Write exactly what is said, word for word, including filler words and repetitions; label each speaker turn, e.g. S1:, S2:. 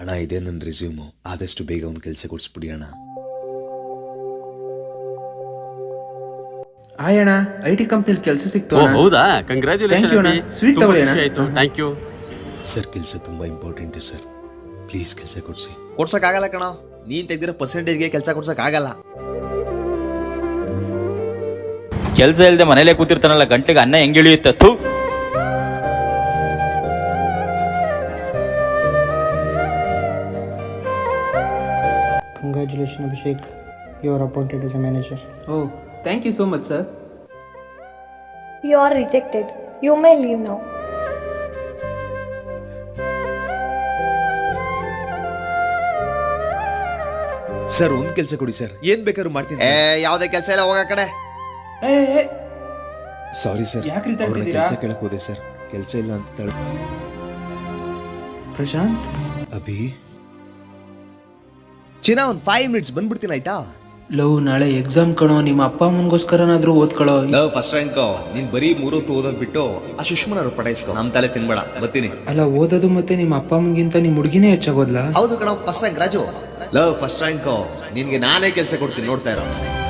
S1: ಅಣ್ಣ ಇದೇ ನನ್ನ ರೆಸ್ಯೂಮು, ಆದಷ್ಟು ಬೇಗ ಒಂದು ಕೆಲಸ ಕೊಡಿಸ್ಬಿಡಿ ಅಣ್ಣ.
S2: ಹಾಯ್ ಅಣ್ಣ, ಐ ಟಿ ಕಂಪ್ನಿಲಿ ಕೆಲಸ ಸಿಕ್ತು.
S3: ಓ ಹೌದಾ, ಕಂಗ್ರಾಚುಲೇಷನ್.
S2: ಸ್ವೀಟ್ ತಗೊಳ್ಳಿ ಅಣ್ಣ.
S3: Thank you
S1: sir. ಕೆಲಸ ತುಂಬ ಇಂಪಾರ್ಟೆಂಟು ಸರ್, ಪ್ಲೀಸ್ ಕೆಲಸ ಕೊಡಿಸಿ.
S4: ಕೊಡ್ಸೋಕ್ಕಾಗಲ್ಲ ಕಣ, ನೀನು ತೆಗೆದಿರೋ ಪರ್ಸೆಂಟೇಜ್ಗೆ ಕೆಲಸ ಕೊಡ್ಸೋಕ್ಕಾಗಲ್ಲ.
S5: ಕೆಲಸ ಇಲ್ಲದೆ ಮನೇಲೆ ಕೂತಿರ್ತಾನಲ್ಲ, ಗಂಟೆಗೆ ಅನ್ನ ಹೆಂಗೆ ಇಳಿಯುತ್ತೆ? ಥೂ.
S6: Congratulations, Abhishek. You are appointed as a manager.
S2: Oh thank you so much sir.
S7: You are rejected. You may leave now.
S1: Sir ಒಂದು ಕೆಲಸ ಕೊಡಿ ಸರ್, ಏನ್ ಬೇಕಾದ್ರೂ ಮಾಡ್ತೀನಿ.
S4: ಏ ಯಾವುದೇ ಕೆಲಸ ಇಲ್ಲ, ಹೋಗ ಕಡೆ.
S2: ಏ ಏ,
S1: ಸಾರಿ ಸರ್,
S2: ಯಾಕ್ರಿ
S1: ಅವ್ರನ್ನ
S2: ತಗ್ತಿದ್ದೀರಾ?
S1: ಕೆಲಸ ಕೇಳಕ್ ಹೋದೆ ಸರ್, ಕೆಲಸ ಇಲ್ಲ ಅಂತ ತಳ.
S2: ಪ್ರಶಾಂತ್,
S1: ಅಭಿ ಚಿನ್ನ, ಒಂದು ಫೈವ್ ಮಿನಿಟ್ಸ್ ಬಂದ್ಬಿಡ್ತೀನಿ ಆಯ್ತಾ?
S2: ಲವ್ ನಾಳೆ ಎಕ್ಸಾಮ್ ಕಣೋ, ನಿಮ್ಮ ಅಪ್ಪ ಅಮ್ಮನಿಗೋಸ್ಕರನಾದ್ರೂ ಓದ್ಕೊಳ್ಳೋ.
S4: Love first rank. ನೀನ್ ಬರೀ ಮೂರೊತ್ತು ಓದೋದ್ ಬಿಟ್ಟು ಆ ಸುಷ್ಮನವ್ರು ಪಟಾಯಿಸ್ಕೊ, ನಮ್ ತಲೆ ತಿನ್ಬೇಡ. ಬರ್ತೀನಿ.
S2: ಅಲ್ಲ, ಓದೋದು ಮತ್ತೆ ನಿಮ್ಮ ಅಪ್ಪ ಅಮ್ಮಗಿಂತ ನಿಮ್ಮ ಹುಡುಗಿನೇ ಹೆಚ್ಚಾಗೋದ್ಲಾ?
S4: ಹೌದು ಕಣ, first rank Raju. Love first rank. ನಿನ್ಗೆ ನಾನೇ ಕೆಲಸ ಕೊಡ್ತೀನಿ, ನೋಡ್ತಾ ಇರೋ.